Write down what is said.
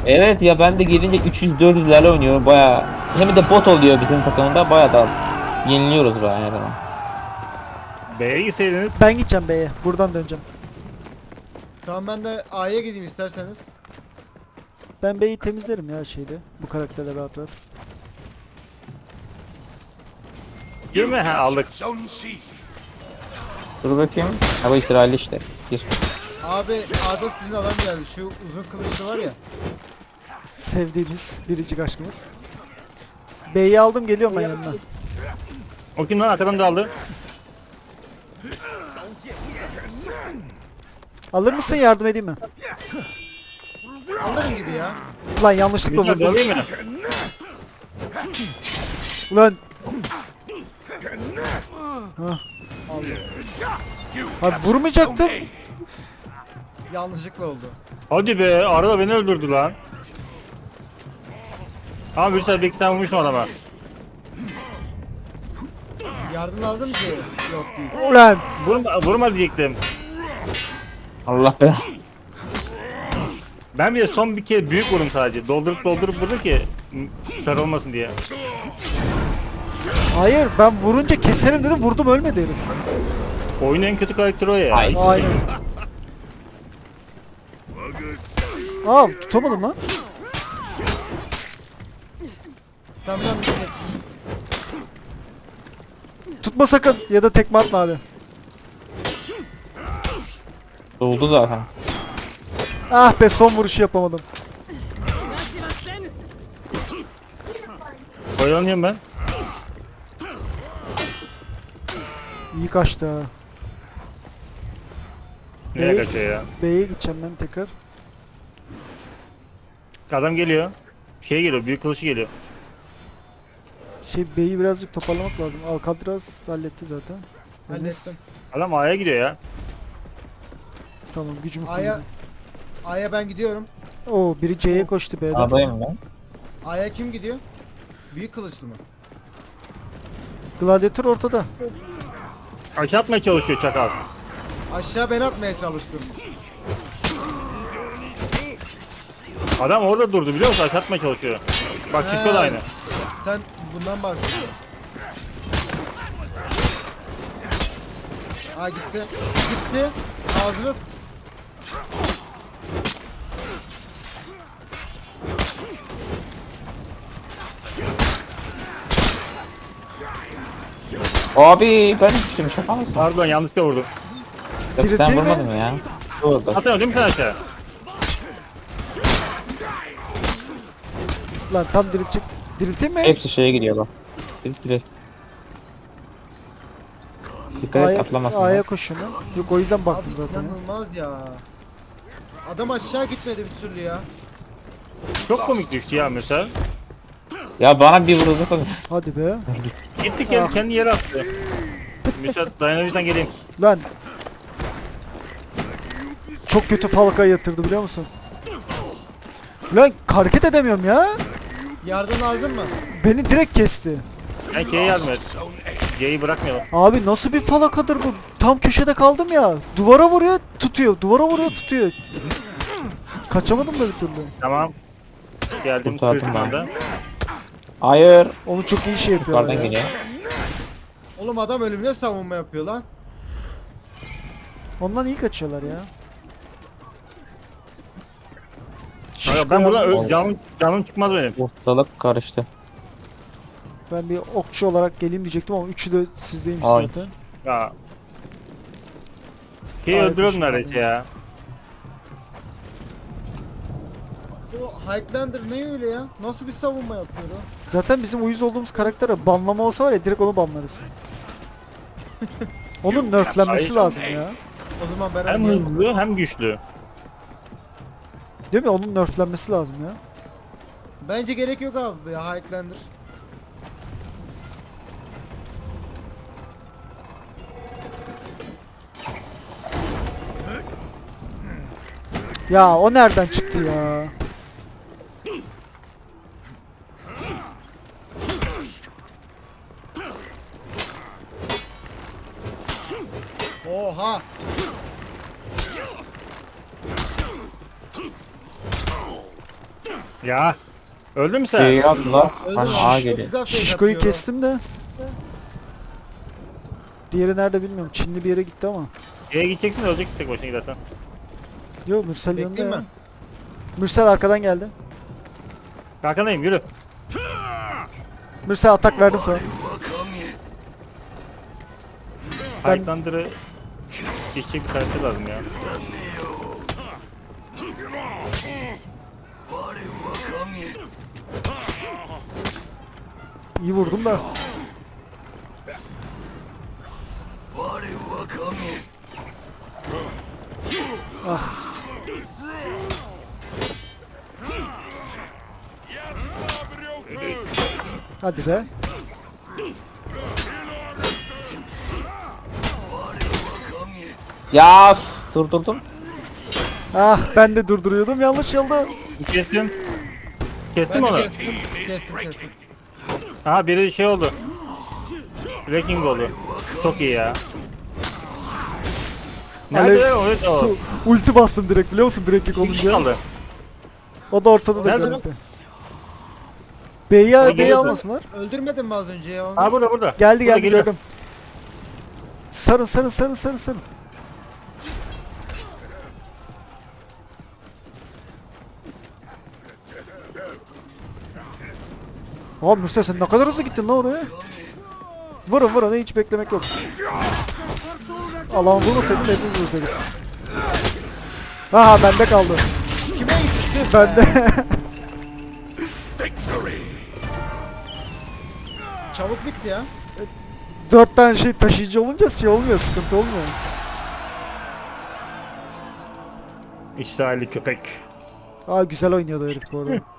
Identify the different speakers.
Speaker 1: Evet ya, ben de gelince 300-400'lerle oynuyorum baya. Hem de bot oluyor bizim takımda, baya da yeniliyoruz baya her zaman.
Speaker 2: B'ye gitseydiniz.
Speaker 3: Ben gideceğim B'ye. Buradan döneceğim.
Speaker 4: Tamam ben de A'ya gideyim isterseniz.
Speaker 3: Ben B'yi temizlerim ya şeyde. Bu karakterle rahat rahat.
Speaker 2: Girme ha aldık.
Speaker 1: Dur bakayım. Ha, bu İsrail işte. Gir.
Speaker 4: Abi A'da sizin adam geldi. Şu uzun kılıçlı var ya.
Speaker 3: Sevdiğimiz biricik aşkımız. B'yi aldım, geliyorum ben yanına.
Speaker 2: O kim lan, arkadan da aldı.
Speaker 3: Alır mısın, yardım edeyim mi?
Speaker 4: Alırım gibi ya.
Speaker 3: Ulan yanlışlıkla
Speaker 2: Güzel
Speaker 3: vurdum.
Speaker 2: dalayım mı?
Speaker 3: Ulan. Hah. Abi vurmayacaktım.
Speaker 4: Yanlışlıkla oldu.
Speaker 2: Hadi be, araba beni öldürdü lan. Ama bir sefer bir iki tane vurmuştum adama.
Speaker 4: Yardım lazım ki. Yok değil.
Speaker 3: Ulan.
Speaker 2: Vurma diyecektim.
Speaker 1: Allah be.
Speaker 2: Ben bir de son bir kere büyük vurdum sadece. Doldurup vurdum ki sarılmasın diye.
Speaker 3: Hayır, ben vurunca keserim dedim, vurdum, ölmedi herif.
Speaker 2: Oyunun en kötü karakteri o ya.
Speaker 1: Ay.
Speaker 3: Aynen. Aa, tutamadım lan.
Speaker 4: Tamam tamam.
Speaker 3: Tutma sakın ya da tekme atma abi.
Speaker 1: Doldu zaten.
Speaker 3: Ah be, son vuruşu yapamadım.
Speaker 2: Oyalanıyorum ben.
Speaker 3: İyi kaçtı ha.
Speaker 2: Nereye kaçıyor ya?
Speaker 3: B'ye gideceğim ben tekrar.
Speaker 2: Adam geliyor. Şey geliyor, büyük kılıcı geliyor.
Speaker 3: B'yi birazcık toparlamak lazım. Alcatraz halletti zaten. Enes,
Speaker 4: Hallettim.
Speaker 2: Adam A'ya gidiyor ya.
Speaker 3: tamam, gücümü
Speaker 4: A'ya
Speaker 3: kullandım.
Speaker 4: A'ya ben gidiyorum.
Speaker 3: Oo, biri C'ye koştu B'den.
Speaker 1: Adayım ben.
Speaker 4: A'ya kim gidiyor? Büyük kılıçlı mı?
Speaker 3: Gladiator ortada.
Speaker 2: Aşağı atmaya çalışıyor çakal.
Speaker 4: Aşağı ben atmaya çalıştım.
Speaker 2: Adam orada durdu biliyor musun? Aşağı atmaya çalışıyor. Bak Cisco da aynı.
Speaker 4: Sen bundan bahsediyorsun. Aa gitti. Gitti. Ağzını
Speaker 1: Abi ben düştüm, şaka mısın?
Speaker 2: Pardon, yanlışlıkla vurdum.
Speaker 1: Yok,
Speaker 3: Dirilteyim
Speaker 1: sen
Speaker 3: mi?
Speaker 1: vurmadın mı ya? Vurdu.
Speaker 2: Atıyorsun değil mi sen aşağı?
Speaker 3: Lan tam diriltecek. Dirilteyim mi?
Speaker 1: Hepsi şeye gidiyor bak. Direkt. Dikkat et, atlamasın.
Speaker 3: A'ya
Speaker 1: bak.
Speaker 3: koşuyorum ben. Yok, o yüzden baktım
Speaker 4: Abi
Speaker 3: zaten. ya.
Speaker 4: inanılmaz ya. Adam aşağı gitmedi bir türlü ya.
Speaker 2: Çok komik düştü ya mesela.
Speaker 1: Ya bana bir vurdu kadar.
Speaker 3: Hadi be.
Speaker 2: Gitti kendi yere attı. Müsaade dayanabilirsen geleyim.
Speaker 3: Lan. Çok kötü falka yatırdı biliyor musun? Lan hareket edemiyorum ya.
Speaker 4: Yardım lazım mı?
Speaker 3: Beni direkt kesti.
Speaker 2: Ben K'ye yardım et. C'yi bırakmayalım.
Speaker 3: Abi nasıl bir falakadır bu? Tam köşede kaldım ya. Duvara vuruyor, tutuyor. Duvara vuruyor, tutuyor. Kaçamadım da bir türlü.
Speaker 2: Tamam. Geldim
Speaker 1: Kurtardım
Speaker 2: kritik
Speaker 1: ben.
Speaker 2: anda.
Speaker 1: Hayır.
Speaker 3: Onu çok iyi şey yapıyor.
Speaker 1: Yukarıdan
Speaker 3: Ya.
Speaker 1: geliyor.
Speaker 4: Oğlum adam ölümüne savunma yapıyor lan.
Speaker 3: Ondan iyi kaçıyorlar ya.
Speaker 2: Hayır, ben buradan
Speaker 3: yalnız.
Speaker 2: canım çıkmaz benim.
Speaker 1: Ortalık karıştı.
Speaker 3: Ben bir okçu olarak geleyim diyecektim ama üçü de sizdeymiş
Speaker 1: Ay.
Speaker 3: zaten.
Speaker 2: Ya. K'yi
Speaker 3: Ay,
Speaker 2: öldürüyordum
Speaker 3: düşman
Speaker 2: neredeyse
Speaker 3: ya.
Speaker 2: ya.
Speaker 4: O Highlander ne öyle ya? Nasıl bir savunma yapıyor o?
Speaker 3: Zaten bizim uyuz olduğumuz karaktere banlama olsa var ya, direkt onu banlarız. Onun nerflenmesi lazım ya.
Speaker 4: O zaman ben
Speaker 2: Hem
Speaker 4: oynayayım.
Speaker 2: hızlı hem güçlü.
Speaker 3: Değil mi? Onun nerflenmesi lazım ya.
Speaker 4: Bence gerek yok abi ya Highlander.
Speaker 3: Ya o nereden çıktı ya?
Speaker 4: Oha!
Speaker 2: Ya. Öldün mü sen?
Speaker 1: Şey yaptılar.
Speaker 4: Öldüm
Speaker 1: Hani
Speaker 4: abi,
Speaker 1: A
Speaker 4: çok
Speaker 1: geliyor.
Speaker 4: güzel fake
Speaker 3: Şişko'yu
Speaker 4: atıyor.
Speaker 3: kestim de. Diğeri nerede bilmiyorum. Çinli bir yere gitti ama.
Speaker 2: E'ye gideceksin de öleceksin tek başına gidersen.
Speaker 3: Yo Mürsel yanında
Speaker 4: Bekleyeyim
Speaker 3: ya.
Speaker 4: mi?
Speaker 3: Mürsel arkadan geldi.
Speaker 2: Arkandayım yürü.
Speaker 3: Mürsel atak verdim sana. Ben-
Speaker 2: Highlander'ı geçecek bir karakter lazım ya.
Speaker 3: İyi vurdum da. Ah. Hadi be.
Speaker 1: Ya üf, durdurdum.
Speaker 3: Ah ben de durduruyordum yanlış yolda.
Speaker 2: Kestim. Kestim
Speaker 4: Ben de
Speaker 2: onu.
Speaker 4: kestim.
Speaker 2: Aha biri şey oldu. Wrecking oldu. Çok iyi ya. Nerede o? Evet o.
Speaker 3: Ulti bastım direkt biliyor musun breakkick
Speaker 2: Bir kişi
Speaker 3: olunca.
Speaker 2: kaldı.
Speaker 3: O da ortada da
Speaker 2: Nerede?
Speaker 3: görüntü. B'yi
Speaker 2: geliyor.
Speaker 3: almasınlar.
Speaker 4: Öldürmedin mi az önce ya onu?
Speaker 2: Ha burada.
Speaker 3: Geldi
Speaker 2: Burada
Speaker 3: geldi
Speaker 2: geliyor.
Speaker 3: gördüm. Sarın. Abi Mürsel sen ne kadar hızlı gittin lan oraya. Vurun hiç beklemek yok. Allah'ım vurmasaydın hepimiz vursaydık. Aha bende kaldı.
Speaker 4: Kime gitti?
Speaker 3: Bende.
Speaker 4: Çabuk bitti ya.
Speaker 3: 4 tane şey taşıyıcı olunca şey olmuyor, sıkıntı olmuyor.
Speaker 2: İsrailli köpek.
Speaker 3: Aa güzel oynuyordu herif bu arada.